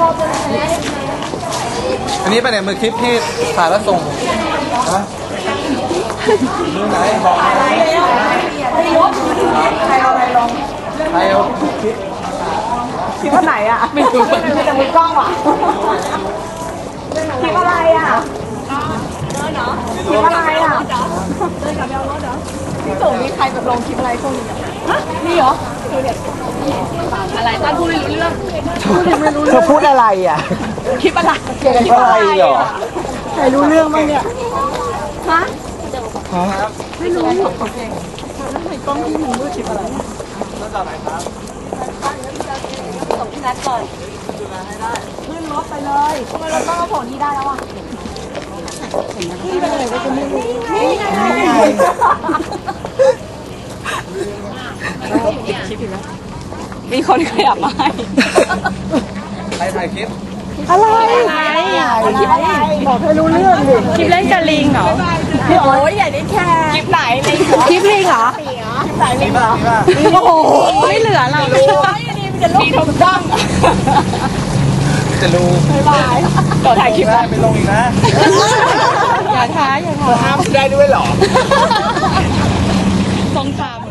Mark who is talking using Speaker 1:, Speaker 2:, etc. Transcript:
Speaker 1: อันนี้เป็นมือคลิปที่ถ่ายแล้วส่งนะมือไหนบอกใครเอาอะไรลงใครเอาคลิปว่าไหนอ่ะไม่รู้แต่มือกล้องอ่ะคลิปอะไรอ่ะคลิปอะไรอ่ะเดินกับแมวรถเหรอพี่ตู่มีใครแบบลงคลิปอะไรพวกนี้ฮะมีเหรออะไรตอนพูดไม่รู้เรื่องเธอพูดอะไรอ่ะคลิปอะไรเกี่ยวกับคลิปอะไรเหรอใครรู้เรื่องบ้างเนี่ยฮะไม่รู้แล้วในกล้องที่มึงรู้คลิปอะไรแล้วจากไหนครับส่งที่นัดก่อนขึ้นรถไปเลยทำไมเราต้องเอาผลนี้ได้แล้วอ่ะนี่เป็นอะไรวะจะไม่รู้นี่ไงมีคนขยับมาให้ใครถ่ายคลิปอะไรคลิปอะไรบอกให้รู้เรื่องดิคลิปเล่นกับลิงเหรอโอ้ยอย่าได้แค่คลิปไหนลิงคลิปลิงเหรอคลิปไหนลิงเหรอโอ้โหไม่เหลือเราเลยมีทุกช่องจะรู้บ๊ายบายต่อถ่ายคลิปได้ไปลงอีกนะอย่าท้าห้ามได้ด้วยหรอสงสาร